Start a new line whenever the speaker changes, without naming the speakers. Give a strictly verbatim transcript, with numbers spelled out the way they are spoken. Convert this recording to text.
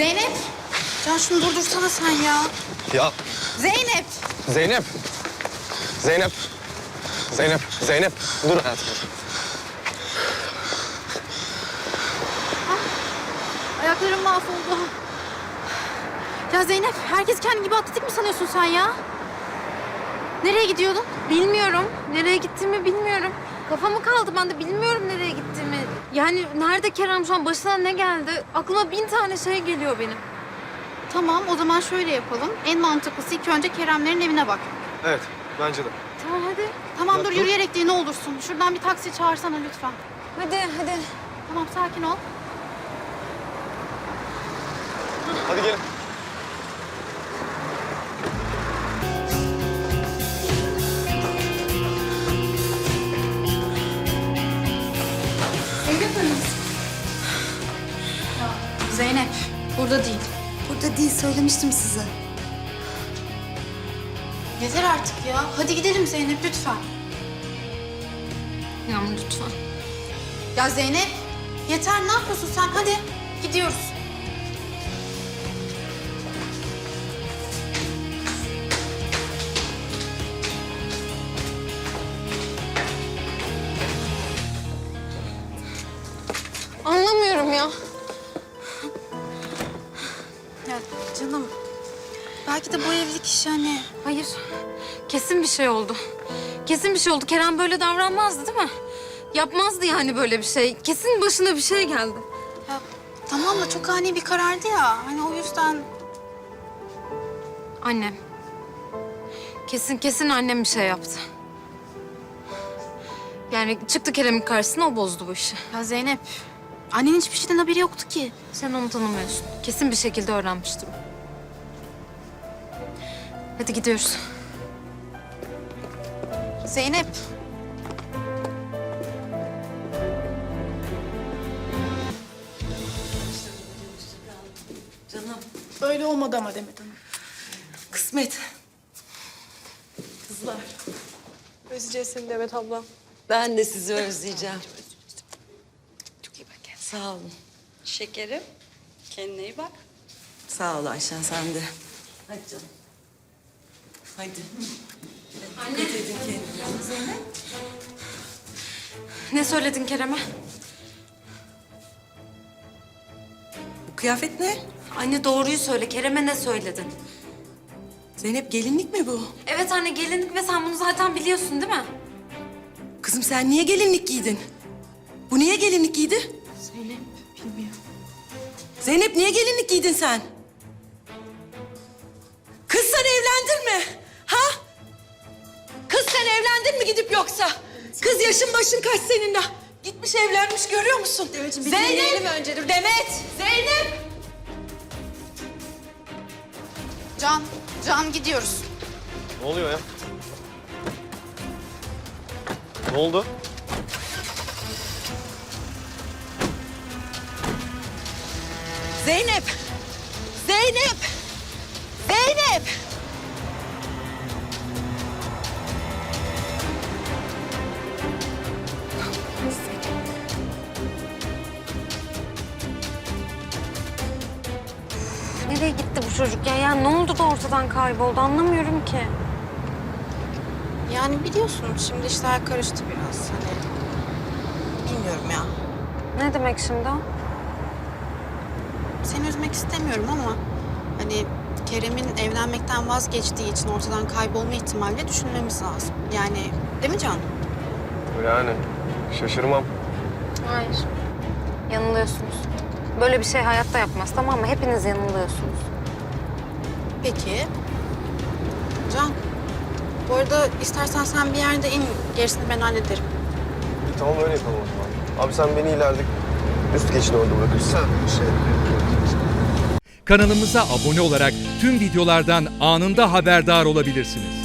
Zeynep. Can şunu durdursana sen ya.
Ya
Zeynep.
Zeynep. Zeynep. Zeynep. Zeynep. Dur hayatım.
Ayaklarım mahvoldu. Ya Zeynep, herkes kendi gibi atletik mi sanıyorsun sen ya? Nereye gidiyordun?
Bilmiyorum. Nereye gittiğimi bilmiyorum. Kafamı kaldı ben de bilmiyorum nereye gittiğimi. Yani nerede Kerem şu an başına ne geldi? Aklıma bin tane şey geliyor benim.
Tamam, o zaman şöyle yapalım. En mantıklısı ilk önce Keremlerin evine bak.
Evet bence de.
Tamam hadi.
Tamam
Ya
dur,
dur.
yürüyerek değil ne olursun. Şuradan bir taksi çağırsana lütfen.
Hadi hadi.
Tamam, sakin ol.
Hadi gelin.
Zeynep, burada değil.
Burada değil, söylemiştim size.
Yeter artık ya. Hadi gidelim Zeynep lütfen.
Yağmur lütfen.
Ya Zeynep, yeter ne yapıyorsun sen? Hadi gidiyoruz.
Anlamıyorum ya.
Ya canım, belki de bu evlilik işi hani...
Hayır. Kesin bir şey oldu. Kesin bir şey oldu. Kerem böyle davranmazdı değil mi? Yapmazdı yani böyle bir şey. Kesin başına bir şey geldi.
Ya tamam da çok ani bir karardı ya. Hani o yüzden...
Annem. Kesin kesin annem bir şey yaptı. Yani çıktı Kerem'in karşısına, o bozdu bu işi.
Ya Zeynep, annenin hiçbir şeyden haberi yoktu ki.
Sen onu tanımıyorsun. Kesin bir şekilde öğrenmiştir o. Hadi gidiyoruz.
Zeynep.
Canım,
Öyle olmadı ama Demet Hanım.
kısmet. Kızlar,
Özleyeceğiz seni Demet abla.
ben de sizi özleyeceğim.
Çok iyi bak kendine.
Sağ olun.
Şekerim, kendine iyi bak.
Sağ ol Ayşen, sen de. Hadi canım. Hadi.
Anne.
Dikkat edin kendinize.
Ne söyledin Kerem'e?
Bu kıyafet ne?
Anne doğruyu söyle. Kerem'e ne söyledin?
Zeynep, gelinlik mi bu?
Evet anne, gelinlik ve sen bunu zaten biliyorsun değil mi?
Kızım sen niye gelinlik giydin? Bu niye gelinlik giydi?
Zeynep, bilmiyorum.
Zeynep, niye gelinlik giydin sen? Kız sen evlendin mi? Ha? Kız sen evlendin mi gidip yoksa? Kız yaşın başın kaç senin daha? Gitmiş evlenmiş, görüyor musun?
Demetciğim, bir
Zeynep!
dinleyelim önce. Dur.
Demet! Zeynep!
Can, Can gidiyoruz.
Ne oluyor ya? Ne oldu?
Zeynep! Zeynep! Zeynep!
Nereye gitti bu çocuk ya? Ya ne oldu da ortadan kayboldu, anlamıyorum ki.
Yani biliyorsun şimdi işler karıştı biraz. Hani bilmiyorum ya.
Ne demek şimdi o?
Seni üzmek istemiyorum ama hani Kerem'in evlenmekten vazgeçtiği için ortadan kaybolma ihtimali düşünmemiz lazım. Yani değil mi Can?
Yani şaşırmam.
Hayır. Yanılıyorsunuz. Böyle bir şey hayatta yapmaz, tamam mı? Hepiniz yanılıyorsunuz.
Peki. Can, bu arada istersen sen bir yerde in, gerisini ben hallederim.
E, tamam öyle yapalım o zaman. Abi sen beni ileride üst geçin orada bırakırsın. Şey.
Kanalımıza abone olarak tüm videolardan anında haberdar olabilirsiniz.